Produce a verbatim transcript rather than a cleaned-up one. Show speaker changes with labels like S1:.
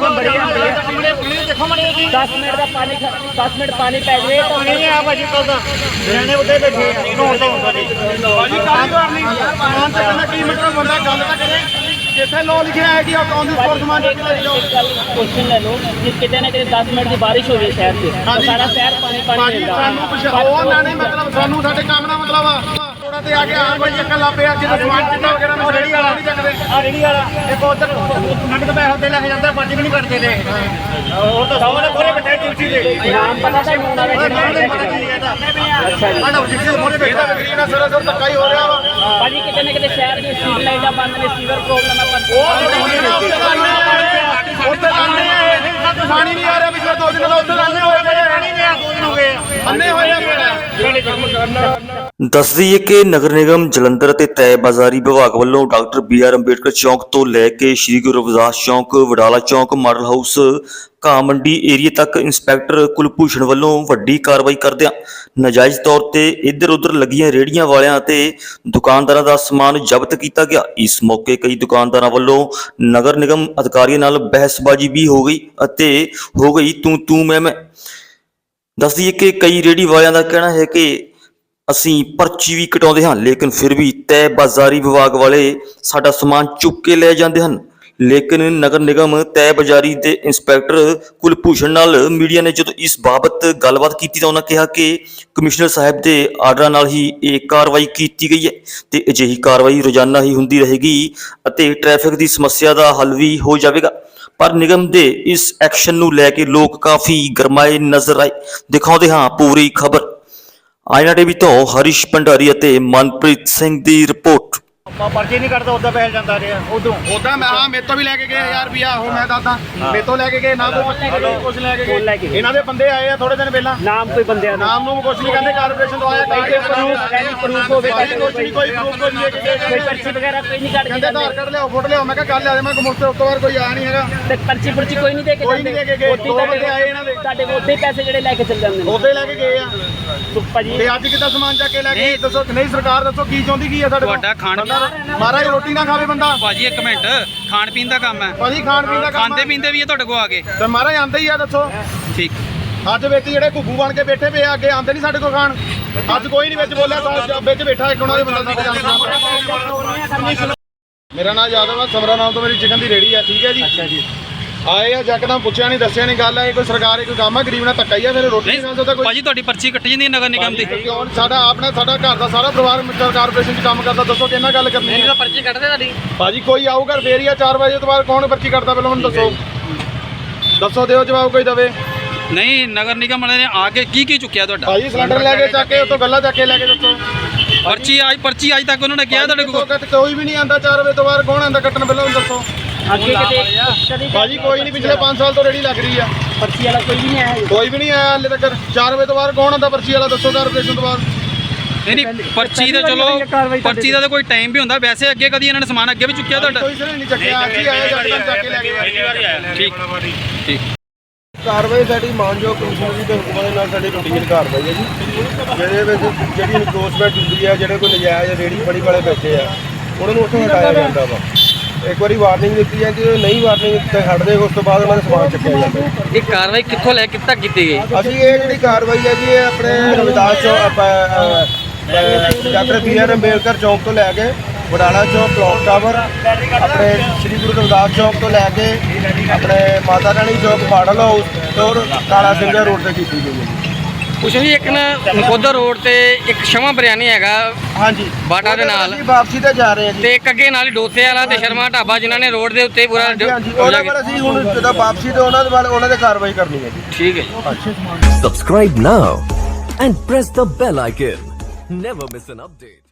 S1: दस मिनट का पानी दस मिनट पानी पै जाए तो नहीं आ भाजी तो रहने उधर बैठे नहाउण तो ਹੁੰਦਾ नहीं भाजी काम करनी समान ते कहना की मतलब बंदा गल ਤਾਂ करे जिथे लो लिखा है कि अकाउंट में स्टोर समान चुक ले जाओ क्वेश्चन ले लो कि कितने ना कितने दस मिनट की बारिश हो गई शहर से तो सारा शहर पानी पानी मिल रहा है ਉਹ ਨਾ ਨਹੀਂ मतलब ਸਾਨੂੰ ਸਾਡੇ ਕੰਮ ਦਾ मतलब ਆ ਥੋੜਾ ਤੇ ਆ ਕੇ ਆਣ ਭਾਈ ਚੱਕਰ ਲਾ ਪਿਆ ਜਦੋਂ ਸਮਾਨ ਚਿੱਟਾ ਵਗੈਰਾ ਨਾ ਰੇੜੀ ਵਾਲਾ ਨਹੀਂ ਚੱਕਦੇ ਆ ਰੇੜੀ ਵਾਲਾ ਇੱਕ ਉਧਰ ਨਗਦ ਪੈਸੇ ਤੇ ਲੈ ਕੇ ਜਾਂਦਾ ਪਾਜੀ ਵੀ ਨਹੀਂ ਕੱਟਦੇ ਨੇ ਉਹ ਤਾਂ ਸਾਹਮਣੇ ਕੋਰੇ ਬੈਠੇ ਟਿਊਸੀ ਦੇ ਨਾਮ ਪਤਾ ਤਾਂ ਮੁੰਡਾ ਦੇ ਅੱਛਾ ਜੀ ਆਹ ਜਿੱਥੇ ਮੋਰੇ ਬੈਠਾ ਵਿਕਰੀ ਨਾਲ ਸਰ ਸਰ ਧੱਕਾ ਹੀ ਹੋ ਰਿਹਾ ਵਾ ਭਾਜੀ ਕਿਤੇ ਨਾ ਕਿਤੇ ਸ਼ਹਿਰ ਦੀ ਸਟਰੀਟ ਲਾਈਟਾਂ ਬੰਦ ਨੇ ਸੀਵਰ ਪ੍ਰੋਬਲਮ ਹੈ ਪਰ ਉਹ ਉੱਥੇ ਆਨੇ ਆ ਪਾਣੀ ਨਹੀਂ ਆ ਰਿਹਾ ਪਿਛਲੇ ਦੋ ਦਿਨ ਦਾ ਉੱਥੇ ਆਨੇ ਹੋਏ ਪਾਣੀ ਨਹੀਂ ਆ ਦੋ ਦਿਨ ਹੋ ਗਏ ਅੰਨੇ ਹੋਏ ਆ
S2: ਦੱਸ ਦਈਏ ਕਿ ਨਗਰ ਨਿਗਮ ਜਲੰਧਰ ਅਤੇ ਤੈ ਬਾਜ਼ਾਰੀ ਵਿਭਾਗ ਵੱਲੋਂ ਡਾਕਟਰ ਬੀ ਆਰ ਅੰਬੇਡਕਰ ਚੌਂਕ ਤੋਂ ਲੈ ਕੇ ਸ਼੍ਰੀ ਗੁਰੂ ਰਵਿਦਾਸ ਚੌਂਕ, ਵਡਾਲਾ ਚੌਂਕ, ਮਾਡਲ ਹਾਊਸ, ਘਾਹ ਮੰਡੀ ਏਰੀਏ ਤੱਕ ਇੰਸਪੈਕਟਰ ਕੁਲਭੂਸ਼ਣ ਵੱਲੋਂ ਵੱਡੀ ਕਾਰਵਾਈ ਕਰਦਿਆਂ ਨਾਜਾਇਜ਼ ਤੌਰ ਤੇ ਇੱਧਰ ਉੱਧਰ ਲੱਗੀਆਂ ਰੇਹੜੀਆਂ ਵਾਲਿਆਂ ਅਤੇ ਦੁਕਾਨਦਾਰਾਂ ਦਾ ਸਮਾਨ ਜ਼ਬਤ ਕੀਤਾ ਗਿਆ। ਇਸ ਮੌਕੇ ਕਈ ਦੁਕਾਨਦਾਰਾਂ ਵੱਲੋਂ ਨਗਰ ਨਿਗਮ ਅਧਿਕਾਰੀਆਂ ਨਾਲ ਬਹਿਸਬਾਜ਼ੀ ਵੀ ਹੋ ਗਈ ਅਤੇ ਹੋ ਗਈ ਤੂੰ ਤੂੰ ਮੈਂ ਮੈਂ। ਦੱਸ ਦਈਏ ਕਿ ਕਈ ਰੇਹੜੀ ਵਾਲਿਆਂ ਦਾ ਕਹਿਣਾ ਹੈ ਕਿ ਅਸੀਂ ਪਰਚੀ ਵੀ ਕਟਾਉਂਦੇ ਹਾਂ ਲੇਕਿਨ ਫਿਰ ਵੀ ਤੈ ਬਾਜ਼ਾਰੀ ਵਿਭਾਗ ਵਾਲੇ ਸਾਡਾ ਸਮਾਨ ਚੁੱਕ ਕੇ ਲੈ ਜਾਂਦੇ ਹਨ। ਲੇਕਿਨ ਨਗਰ ਨਿਗਮ ਤੈ ਬਾਜ਼ਾਰੀ ਦੇ ਇੰਸਪੈਕਟਰ ਕੁਲਭੂਸ਼ਣ ਨਾਲ ਮੀਡੀਆ ਨੇ ਜਦੋਂ ਇਸ ਬਾਬਤ ਗੱਲਬਾਤ ਕੀਤੀ ਤਾਂ ਉਹਨਾਂ ਕਿਹਾ ਕਿ ਕਮਿਸ਼ਨਰ ਸਾਹਿਬ ਦੇ ਆਰਡਰਾਂ ਨਾਲ ਹੀ ਇਹ ਕਾਰਵਾਈ ਕੀਤੀ ਗਈ ਹੈ ਤੇ ਅਜਿਹੀ ਕਾਰਵਾਈ ਰੋਜ਼ਾਨਾ ਹੀ ਹੁੰਦੀ ਰਹੇਗੀ ਅਤੇ ਟ੍ਰੈਫਿਕ ਦੀ ਸਮੱਸਿਆ ਦਾ ਹੱਲ ਵੀ ਹੋ ਜਾਵੇਗਾ। ਪਰ ਨਿਗਮ ਦੇ ਇਸ ਐਕਸ਼ਨ ਨੂੰ ਲੈ ਕੇ ਲੋਕ ਕਾਫੀ ਗਰਮਾਏ ਨਜ਼ਰ ਆਏ। ਦਿਖਾਉਂਦੇ ਹਾਂ ਪੂਰੀ ਖਬਰ। ਆਇਨਾ ਟੀਵੀ ਤੋਂ ਹਰੀਸ਼ ਭੰਡਾਰੀ ਅਤੇ ਮਨਪ੍ਰੀਤ ਸਿੰਘ ਦੀ ਰਿਪੋਰਟ।
S1: ਪਰਚੀ ਨਹੀਂ ਕੱਟਦਾ ਉਦਾਂ ਪੈਸੇ ਜਾਂਦਾ ਰਿਹਾ ਉਦੋਂ
S3: ਉਦਾਂ ਮੈਂ ਹਾਂ ਮੇਰੇ ਤੋਂ ਵੀ ਲੈ ਕੇ ਗਏ ਹਜ਼ਾਰ ਰੁਪਿਆ ਉਹ ਮੈਂ ਦੱਸਦਾ ਮੇਰੇ ਤੋਂ ਲੈ ਕੇ ਗਏ ਨਾ ਕੋਈ ਕੁਝ ਲੈ ਕੇ ਗਏ ਇਹਨਾਂ ਦੇ ਬੰਦੇ ਆਏ ਆ ਥੋੜੇ ਦਿਨ ਪਹਿਲਾਂ
S1: ਨਾਮ ਕੋਈ ਬੰਦਿਆਂ ਦਾ
S3: ਨਾਮ ਨੂੰ ਕੁਝ ਨਹੀਂ ਕਹਿੰਦੇ ਕਾਰਪੋਰੇਸ਼ਨ ਤੋਂ ਆਇਆ ਕਈ
S1: ਪ੍ਰੂਫ ਪ੍ਰੂਫ ਹੋਵੇ
S3: ਕੋਈ ਕੋਈ ਪ੍ਰੂਫ ਕੋਈ ਲੈ ਕੇ ਗਏ
S1: ਕੋਈ ਪਰਚੀ ਵਗੈਰਾ ਕੋਈ ਨਹੀਂ ਕੱਟ ਕੇ
S3: ਕਹਿੰਦੇ ਆਧਾਰ ਕਾਰਡ ਲਿਆਓ ਫੋਟੋ ਲਿਆਓ ਮੈਂ ਕਿਹਾ ਕੱਲ ਆ ਮੈਂ ਕਮੋਸਟਰ ਉਸ ਤੋਂ ਬਾਅਦ ਕੋਈ ਆ ਨਹੀਂ ਹੈਗਾ
S1: ਤੇ ਪਰਚੀ ਪਰਚੀ ਕੋਈ ਨਹੀਂ ਦੇ ਕੇ
S3: ਕੋਈ ਨਹੀਂ ਦੇ ਕੇ ਗਏ ਦੋ ਬੰਦੇ ਆਏ ਇਹਨਾਂ ਦੇ
S1: ਤੁਹਾਡੇ ਕੋਲ ਉੱਥੇ ਪੈਸੇ ਜਿਹੜੇ ਲੈ ਕੇ ਚੱਲ ਜਾਂਦੇ ਨੇ
S3: ਉੱਥੇ ਲੈ ਕੇ ਗਏ ਆ
S1: ਭਾਜੀ
S3: ਤੇ ਅੱਜ ਕਿੱਦਾਂ ਸਮਾਨ ਚੱਕ ਕੇ ਲੈ ਗਏ ਦੱਸੋ ਨਹੀਂ ਸਰਕਾਰ ਦੱਸੋ ਕੀ ਚਾਹੁੰਦੀ ਕੀ ਆ ਸਾਡੇ
S4: ਤੁਹਾਡਾ ਖਾਣ
S3: ਮਹਾਰਾਜ ਰੋਟੀ ਨਾ ਖਾਵੇ ਬੰਦਾ
S4: ਭਾਜੀ ਇੱਕ ਮਿੰਟ ਖਾਣ ਪੀਣ ਦਾ ਕੰਮ ਹੈ
S3: ਭਾਜੀ ਖਾਣ ਪੀਣ ਦਾ ਕੰਮ
S4: ਖਾਂਦੇ ਪੀਂਦੇ ਵੀ ਹੈ ਤੁਹਾਡੇ ਕੋਲ ਆ ਕੇ
S3: ਤੇ ਮਹਾਰਾਜ ਆਂਦੇ ਹੀ ਆ ਦੱਸੋ
S4: ਠੀਕ
S3: ਅੱਜ ਵਿੱਚ ਜਿਹੜੇ ਘੁੱਗੂ ਬਣ ਕੇ ਬੈਠੇ ਪਏ ਆ ਅੱਗੇ ਆਂਦੇ ਨਹੀਂ ਸਾਡੇ ਕੋਲ ਖਾਣ ਅੱਜ ਕੋਈ ਨਹੀਂ ਵਿੱਚ ਬੋਲਿਆ ਤਾਂ ਵਿੱਚ ਬੈਠਾ ਇੱਕ ਉਹਨਾਂ ਦੇ ਬੰਦਾ ਸਾਡੇ ਮੇਰਾ ਨਾਮ ਯਾਦਵ ਆ ਸਮਰਾ ਨਾਮ ਤੋਂ ਮੇਰੀ ਚਿਕਨ ਦੀ ਰੇੜੀ ਆ ਠੀਕ ਹੈ ਜੀ ਅੱਛਾ ਜੀ ਆਏ ਆ ਜੱਕਦਮ ਪੁੱਛਿਆ ਨਹੀਂ ਦੱਸਿਆ ਨਹੀਂ ਗੱਲ ਹੈ ਕੋਈ ਸਰਕਾਰ ਕੋਈ ਕੰਮ ਆ ਗਰੀਬ ਨਾਲ ਧੱਕਾ ਹੀ ਆ ਫਿਰ ਰੋਟੀ ਨਹੀਂ ਖਾ ਸਕਦਾ ਕੋਈ
S4: ਭਾਜੀ ਤੁਹਾਡੀ ਪਰਚੀ ਕੱਟੀ ਜਾਂਦੀ ਹੈ ਨਗਰ ਨਿਗਮ ਦੀ
S3: ਕਿਉਂ ਸਾਡਾ ਆਪਣਾ ਸਾਡਾ ਘਰ ਦਾ ਸਾਰਾ ਪਰਿਵਾਰ ਮਿੱਟਰ ਕਾਰਪੋਰੇਸ਼ਨ 'ਚ ਕੰਮ ਕਰਦਾ ਦੱਸੋ ਕਿੰਨਾ ਗੱਲ ਕਰਨੀ ਹੈ
S1: ਪਰਚੀ ਕੱਟਦੇ ਤੁਹਾਡੀ
S3: ਭਾਜੀ ਕੋਈ ਆਊਗਾ ਫੇਰ ਹੀ ਆ ਚਾਰ ਵਜੇ ਤੋਂ ਬਾਅਦ ਕੌਣ ਪਰਚੀ ਕੱਟਦਾ ਪਹਿਲਾਂ ਮੈਨੂੰ ਦੱਸੋ ਦੱਸੋ ਦਿਓ ਜਵਾਬ ਕੋਈ ਦਵੇ
S4: ਨਹੀਂ ਨਗਰ ਨਿਗਮ ਵਾਲੇ ਨੇ ਆ ਕੇ ਕੀ ਕੀ ਚੁੱਕਿਆ ਤੁਹਾਡਾ
S3: ਭਾਜੀ ਸਿਲੰਡਰ ਲੈ ਕੇ ਚੱਕ ਕੇ ਉੱਥੋਂ ਗੱਲਾਂ ਚੱਕ ਕੇ ਲੈ ਕੇ ਦੱਸੋ
S4: ਪਰਚੀ ਅੱਜ ਪਰਚੀ ਅੱਜ ਤੱਕ ਉਹਨਾਂ ਨੇ ਕਿਹਾ ਤੁਹਾਡੇ ਕੋਲ
S3: ਕੋਈ ਵੀ ਨਹੀਂ ਆਂਦਾ ਚਾਰ ਵਜੇ ਤੋਂ ਬਾਅਦ ਕੌਣ ਆਂਦਾ ਕੱਟਣ ਪਹਿਲਾਂ ਦੱਸੋ
S1: ਅੱਗੇ ਕਿਤੇ
S3: ਭਾਜੀ ਕੋਈ ਨਹੀਂ ਪਿਛਲੇ ਪੰਜ ਸਾਲ ਤੋਂ ਰੇੜੀ ਲੱਗ ਰਹੀ ਆ
S1: ਪਰਚੀ ਵਾਲਾ ਕੋਈ ਵੀ ਨਹੀਂ ਆਇਆ
S3: ਕੋਈ ਵੀ ਨਹੀਂ ਆਇਆ ਹਾਲੇ ਤੱਕ ਚਾਰ ਵਜੇ ਤੋਂ ਬਾਅਦ ਕੌਣ ਆਂਦਾ ਪਰਚੀ ਵਾਲਾ ਦੱਸੋ ਕਾਰਪੋਰੇਸ਼ਨ ਤੋਂ ਬਾਅਦ
S4: ਨਹੀਂ ਨਹੀਂ ਪਰਚੀ ਦਾ ਚਲੋ ਪਰਚੀ ਦਾ ਤਾਂ ਕੋਈ ਟਾਈਮ ਵੀ ਹੁੰਦਾ ਵੈਸੇ ਅੱਗੇ ਕਦੀ ਇਹਨਾਂ ਨੇ ਸਮਾਨ ਅੱਗੇ ਵੀ ਚੁੱਕਿਆ ਤੁਹਾਡਾ
S3: ਕੋਈ ਸਿਰੇ ਨਹੀਂ ਚੱਕਿਆ ਅੱਜ ਹੀ ਆਇਆ ਜੱਟਾਂ ਚੱਕ ਕੇ ਲੈ ਗਏ
S4: ਠੀਕ ਠੀਕ
S3: ਕਾਰਵਾਈ ਸਾਡੀ ਮਾਨਯੋਗ ਕਮਿਸ਼ਨਰ ਜੀ ਦੇ ਹੁਕਮਾਂ ਦੇ ਨਾਲ ਸਾਡੀ ਰੂਟੀਨ ਕਾਰਵਾਈ ਹੈ ਜੀ ਜਿਹਦੇ ਵਿੱਚ ਜਿਹੜੀ ਇਨਕਰੋਚਮੈਂਟ ਹੁੰਦੀ ਹੈ ਜਿਹੜੇ ਕੋਈ ਨਜਾਇਜ਼ ਰੇੜੀ ਫੜੀ ਵਾਲੇ ਬੈਠੇ ਆ ਉਹਨਾਂ ਨੂੰ ਉੱਥੋਂ ਹਟਾਇਆ ਜਾਂਦਾ ਵਾ ਇੱਕ ਵਾਰੀ ਵਾਰਨਿੰਗ ਦਿੱਤੀ ਜਾਂਦੀ ਹੈ ਨਹੀਂ ਵਾਰਨਿੰਗ ਤੇ ਹਟਦੇ ਉਸ ਤੋਂ ਬਾਅਦ ਉਹਨਾਂ ਦਾ ਸਮਾਨ ਚੱਕਿਆ ਜਾਂਦਾ
S4: ਇਹ ਕਾਰਵਾਈ ਕਿੱਥੋਂ ਲੈ ਕੇ ਤੱਕ ਕੀਤੀ ਗਈ
S3: ਅਸੀਂ ਇਹ ਜਿਹੜੀ ਕਾਰਵਾਈ ਹੈ ਜੀ ਇਹ ਆਪਣੇ ਰਵਿਦਾਸ ਚੌਕ ਡਾਕਟਰ ਬੀ ਆਰ ਅੰਬੇਡਕਰ ਚੌਕ ਤੋਂ ਲੈ ਕੇ ਵਡਾਲਾ ਚੌਕ ਕਲੌਕ ਟਾਵਰ ਆਪਣੇ ਸ਼੍ਰੀ ਗੁਰੂ ਰਵਿਦਾਸ ਚੌਕ ਤੋਂ ਲੈ ਕੇ ਆਪਣੇ ਮਾਤਾ ਰਾਣੀ ਚੌਕ ਮਾਡਲ ਹਾਊਸ ਤੋਂ ਕਾਲਾ ਸਿੰਘਾ ਰੋਡ ਤੇ ਕੀਤੀ ਗਈ ਹੈ
S4: ਕੁਛ ਨਹੀਂ ਇੱਕ ਨਾ ਨਕੋਦਰ ਰੋਡ ਤੇ ਇੱਕ ਸ਼ਮਾ ਬਿਰਿਆਨੀ ਹੈਗਾ
S3: ਹਾਂਜੀ
S4: ਬਾਟਾ ਦੇ ਨਾਲ
S3: ਅਸੀਂ ਵਾਪਸੀ ਤੇ ਜਾ ਰਹੇ ਹਾਂ ਜੀ
S4: ਤੇ ਇੱਕ ਅੱਗੇ ਨਾਲ ਹੀ ਡੋਸੇ ਵਾਲਾ ਤੇ ਸ਼ਰਮਾ ਢਾਬਾ ਜਿਨ੍ਹਾਂ ਨੇ ਰੋਡ ਦੇ ਉੱਤੇ ਪੂਰਾ
S3: ਹਾਂਜੀ ਉਹਨਾਂ ਪਰ ਅਸੀਂ ਹੁਣ ਜਦੋਂ ਵਾਪਸੀ ਤੇ ਉਹਨਾਂ ਦੇ ਬਾਰੇ ਉਹਨਾਂ ਦੇ ਕਾਰਵਾਈ ਕਰਨੀ ਹੈ ਜੀ
S4: ਠੀਕ ਹੈ
S5: Subscribe now and press the bell icon. Never miss an update.